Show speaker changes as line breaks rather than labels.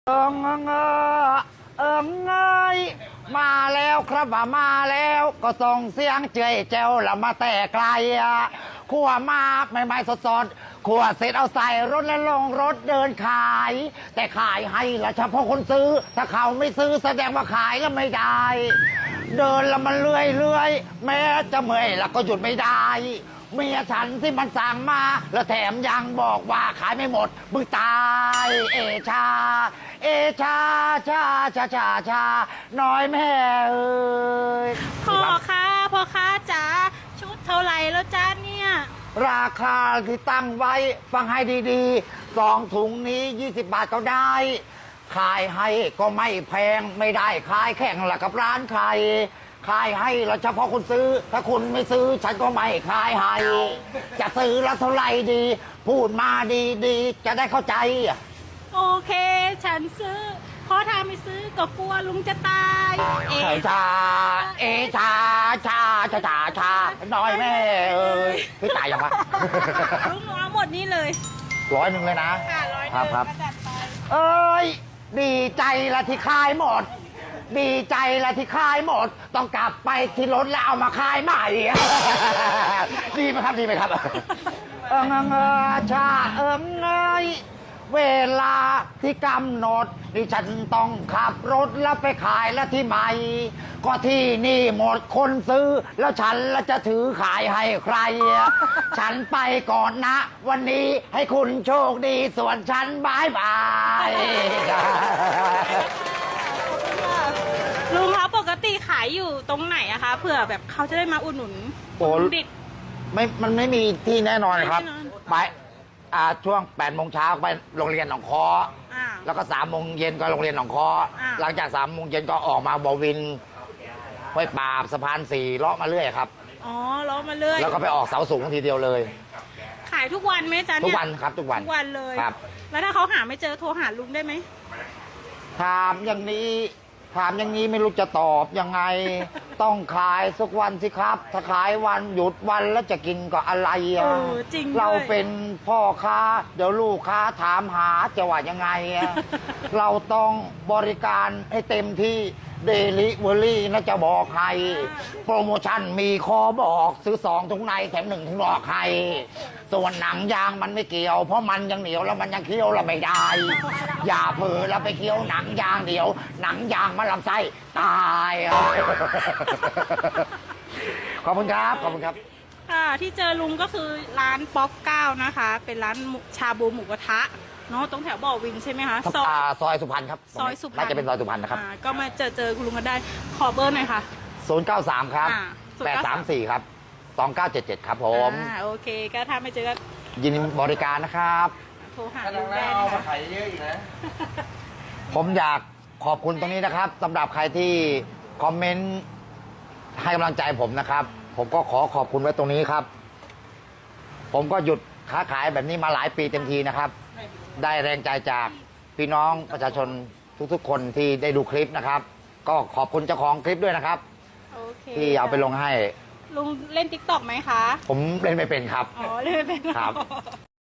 เอิงเอิงเอิงเอยมาแล้วครับมาแล้วก็ส่งเสียงเจยเจ้าละมาแต่ไกลขั่วมาใหม่ๆสดๆขั่วเสร็จเอาใส่รถและลงรถเดินขายแต่ขายให้ละเฉพาะคนซื้อถ้าเขาไม่ซื้อแสดงว่าขายแล้วไม่ได้เดินแล้วมันเรื่อยแม้จะเมื่อยแล้วก็หยุดไม่ได้เมียฉันที่มันสั่งมาแล้วแถมยังบอกว่าขายไม่หมดมึงตายเอชาเอชาชาชาชาชาน้อยแม่เอ้ย
พ่อค้าจ๋าชุดเท่าไหร่แล้วจ้าเนี่ย
ราคาที่ตั้งไว้ฟังให้ดีๆ2 ถุงนี้20 บาทก็ได้ขายให้ก็ไม่แพงไม่ได้ขายแข่งละกับร้านใครขายให้เราเฉพาะคนซื้อถ้าคุณไม่ซื้อฉันก็ไม่ขายให้จะซื้อแล้วเท่าไหร่ดี พูดมาดีๆจะได้เข้าใจ
โอเคฉันซื้อเพราะถ้าไม่ซื้อก็กลัวลุงจะตาย
เอชาเอชาชาชาชาชาน้อยแม่เอ้ยพี่ตายยังวะ
ลุงเอาหมดนี้เลย
100เลยนะ
ค่ะ100
ครับเอ้ยดีใจละที่ขายหมดดีใจละที่ขายหมดต้องกลับไปที่รถแล้วเอามาขายใหม่ดีไหมครับดีไหมครับชาเอ้ยเวลาที่กำหนดดิฉันต้องขับรถแล้วไปขายแล้วที่ใหม่ก็ที่นี่หมดคนซื้อแล้วฉันละจะถือขายให้ใครฉันไปก่อนนะวันนี้ให้คุณโชคดีส่วนฉันบายบาย
ลุงคะปกติขายอยู่ตรงไหนอะคะเผื่อแบบเขาจะได้มาอุดหนุนเด็ก
มันไม่มีที่แน่นอนครับไปช่วง8 โมงเช้าไปโรงเรียนหนองคอแล้วก็3 โมงเย็นก็โรงเรียนหนองคอหลังจาก3 โมงเย็นก็ออกมาบวินห้วยปราบสะพาน4เลาะมาเรื่อยครับ
อ๋อเลาะมาเรื่อย
แล้วก็ไปออกเสาสูงทีเดียวเลย
ขายทุกวันไหมจ๊ะเนี่ย
ทุกวันครับทุกวัน
เลย
ครับ
แล้วถ้าเขาหาไม่เจอโทรหาลุงได้ไหม
ถามอย่างนี้ไม่รู้จะตอบยังไงต้องขายสักวันสิครับถ้าขายวันหยุดวันแล้วจะกินก็อะไร
จริง
เราเป็นพ่อค้าเดี๋ยวลูกค้าถามหาจะว่ายังไงเราต้องบริการให้เต็มที่เดลิเวอรี่นะจะบอกใครโปรโมชั่นมีคอบอกซื้อ2 ถุงในแถม1 ถุงนอกใครส่วนหนังยางมันไม่เกี่ยวเพราะมันยังเหนียวแล้วมันยังเคี้ยวเราไม่ได้อย่าเผลอแล้วไปเคี้ยวหนังยางเดียวหนังยางมันลำไส้ตายขอบคุณครับขอบคุณครับ
ค่ะที่เจอลุงก็คือร้านป๊อก9นะคะเป็นร้านชาบูหมูกระทะเนาะตรงแถวบ่อวินใช่ไหมคะ
ซอยสุพรรณครับ
ซอยสุพรรณ
น่าจะเป็นซอยสุพรรณนะครับ
ก็มาเจอคุณลุงกันได้ขอเบอร์หน่อยค่ะ
093ครับ834ครับ2977ครับผม
โอเคก็ถ้าไม่เจอก็
ยินดีบริการนะครับ
โทรหาลุงได้นะคะ
ขายเยอะอีกนะ
ผมอยากขอบคุณตรงนี้นะครับสำหรับใครที่คอมเมนต์ให้กำลังใจผมนะครับผมก็ขอบคุณไว้ตรงนี้ครับผมก็หยุดค้าขายแบบนี้มาหลายปีเต็มทีนะครับได้แรงใจจากพี่น้องประชาชนทุกๆคนที่ได้ดูคลิปนะครับก็ขอบคุณเจ้าของคลิปด้วยนะครับที่เอาไปลงให้
ลุงเล่น TikTok ไหมคะ
ผมเล่นไม่เป็นครับ
อ๋อเล่นไม่เป็น
ครับ